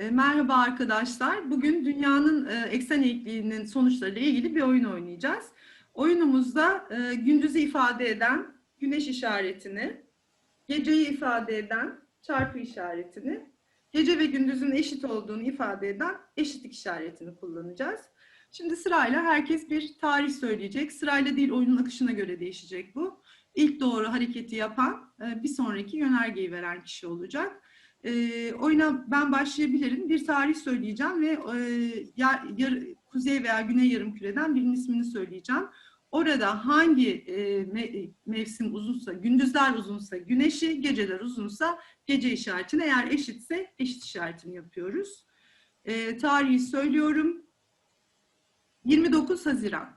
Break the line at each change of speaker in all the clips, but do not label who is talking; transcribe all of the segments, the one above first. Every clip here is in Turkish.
Merhaba arkadaşlar. Bugün dünyanın eksen eğikliğinin sonuçlarıyla ilgili bir oyun oynayacağız. Oyunumuzda gündüzü ifade eden güneş işaretini, geceyi ifade eden çarpı işaretini, gece ve gündüzün eşit olduğunu ifade eden eşitlik işaretini kullanacağız. Şimdi sırayla herkes bir tarih söyleyecek. Sırayla değil, oyunun akışına göre değişecek bu. İlk doğru hareketi yapan bir sonraki yönergeyi veren kişi olacak. Oyuna ben başlayabilirim. Bir tarih söyleyeceğim ve kuzey veya güney yarımküreden birinin ismini söyleyeceğim. Orada hangi mevsim uzunsa, gündüzler uzunsa güneşi, geceler uzunsa gece işaretini, eğer eşitse eşit işaretini yapıyoruz. Tarihi söylüyorum. 29 Haziran.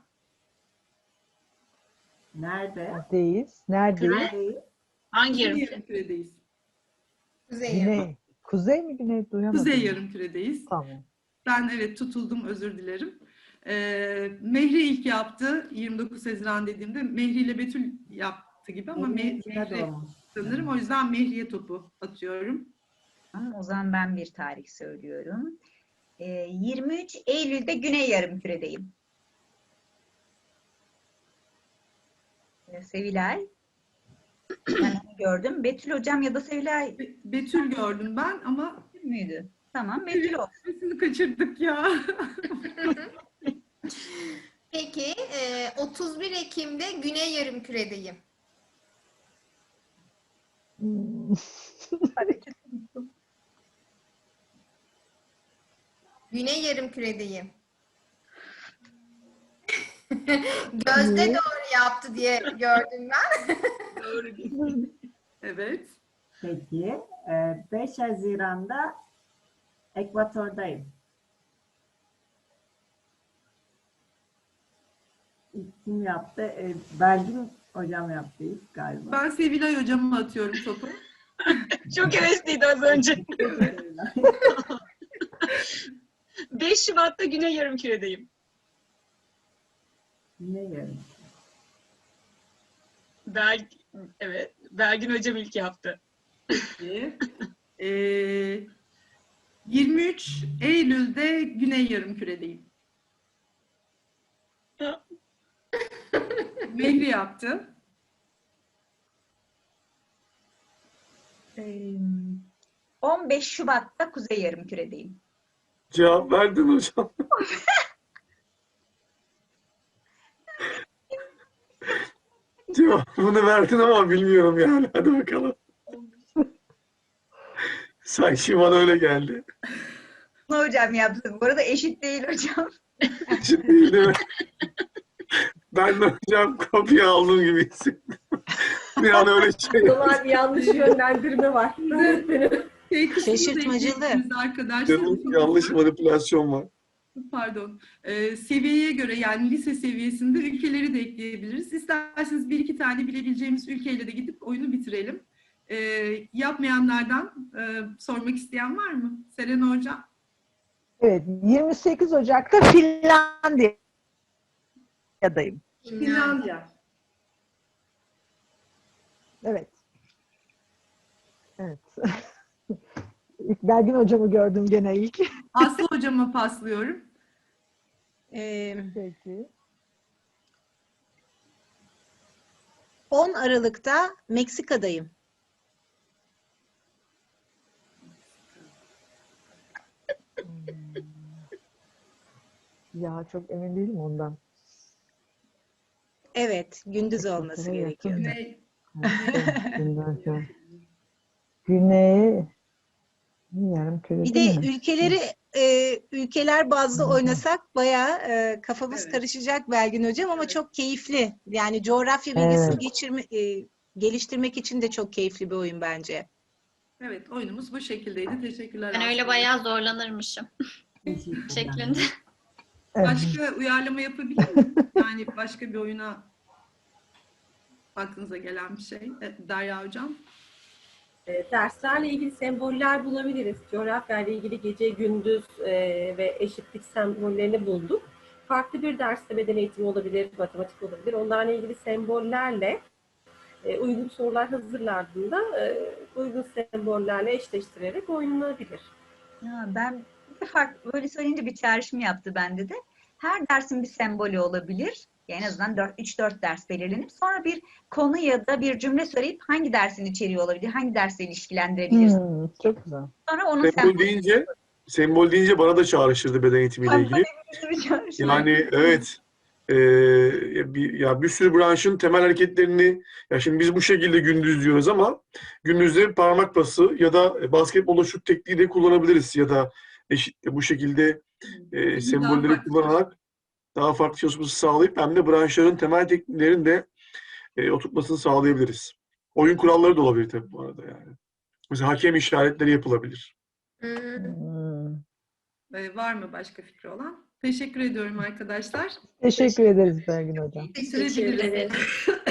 Neredeyiz? Neredeyiz?
Hangi
Kuzey
yarımküre?
yarımküredeyiz.
Güney. Kuzey mi güney? Duyamadım.
Kuzey yarımküredeyiz.
Tamam.
Ben evet tutuldum, özür dilerim. Mehri ilk yaptı. 29 Haziran dediğimde Mehri ile Betül yaptı gibi ama Mehri sanırım. O yüzden Mehri'ye topu atıyorum.
Tamam, o zaman ben bir tarih söylüyorum. 23 Eylül'de Güney Yarımküre'deyim. Sevilay. Ben onu gördüm. Betül hocam ya da Sevilay
Betül gördüm ben ama
müydü? Tamam, Betül olsun.
sesini kaçırdık ya.
Peki 31 Ekim'de Güney Yarımküre'deyim. Güney Yarımküre'deyim. Gözde doğru yaptı diye gördüm ben.
Evet.
Peki, 5 Haziran'da Ekvator'dayım. Kim yaptı? Belgin hocam yaptı ilk galiba.
Ben Sevilay hocama atıyorum topu.
Çok hevesliydi az önce. 5 Şubat'ta Güney Yarımküre'deyim.
Ne yarın?
Evet, Belgin hocam ilk yaptı.
Peki. 23 Eylül'de Güney Yarımküre'deyim. Mehri yaptı.
15 Şubat'ta Kuzey Yarımküre'deyim.
Cevap verdin hocam. Cevabını verdin ama bilmiyorum yani. Hadi bakalım. Sanki bana öyle geldi.
Bunu hocam yaptı. Bu arada eşit değil hocam.
Eşit değil değil mi? Ben de hocam kopya aldığım gibi hissettim. Bir an öyle şey.
Dolar bir yanlış yönlendirme var.
Şaşırtmacılı.
Arkadaşlar.
Yanlış manipülasyon var.
Pardon. Seviyeye göre, yani lise seviyesinde ülkeleri de ekleyebiliriz. İsterseniz bir iki tane bilebileceğimiz ülkeyle de gidip oyunu bitirelim. Yapmayanlardan sormak isteyen var mı? Serena Hocam.
Evet, 28 Ocak'ta Finlandiya'dayım.
Finlandiya.
Evet. Evet. İlk Belgin hocamı gördüm gene ilk.
Aslı Hocama paslıyorum.
Peki.
10 Aralık'ta Meksika'dayım.
Ya çok emin değilim ondan.
Evet, gündüz olması
Evet,
gerekiyor.
Güney.
Güney Yarımküre
Bir
değil
de
mi?
ülkeler bazlı oynasak bayağı kafamız
Evet.
karışacak Belgin hocam ama
Evet.
çok keyifli. Yani coğrafya bilgisini geliştirmek için de çok keyifli bir oyun bence.
Evet, oyunumuz bu şekildeydi. Teşekkürler.
Ben öyle
Aslı.
bayağı zorlanırmışım şeklinde.
Evet.
Başka uyarlama yapabilir miyim? Yani başka bir oyuna aklınıza gelen bir şey. Derya Hocam.
Derslerle ilgili semboller bulabiliriz. Coğrafya ile ilgili gece, gündüz ve eşitlik sembollerini bulduk. Farklı bir derste beden eğitimi olabilir, matematik olabilir. Onlarla ilgili sembollerle uygun sorular hazırlandığında uygun sembollerle eşleştirerek oynanabilir.
Ya ben böyle söyleyince bir çağrışım yaptı bende de. Her dersin bir sembolü olabilir. En azından 3-4 ders belirlenip sonra bir konu ya da bir cümle söyleyip hangi dersin içeriği olabilir, hangi dersle ilişkilendirebiliriz.
Çok güzel.
Sonra onun
Sembol deyince bana da çağrıştırdı beden eğitimiyle ilgili. Yani evet, bir sürü branşın temel hareketlerini, ya şimdi biz bu şekilde gündüz diyoruz ama gündüzde parmak pası ya da basketbolda şut tekniği de kullanabiliriz ya da bu şekilde sembolleri kullanarak daha farklı çalışması sağlayıp hem de branşların temel tekniklerini de oturtmasını sağlayabiliriz. Oyun kuralları da olabilir tabii bu arada yani. Mesela hakem işaretleri yapılabilir.
Var mı başka fikri olan? Teşekkür ediyorum arkadaşlar.
Teşekkür ederiz Belgin Hocam.
Bitirebiliriz.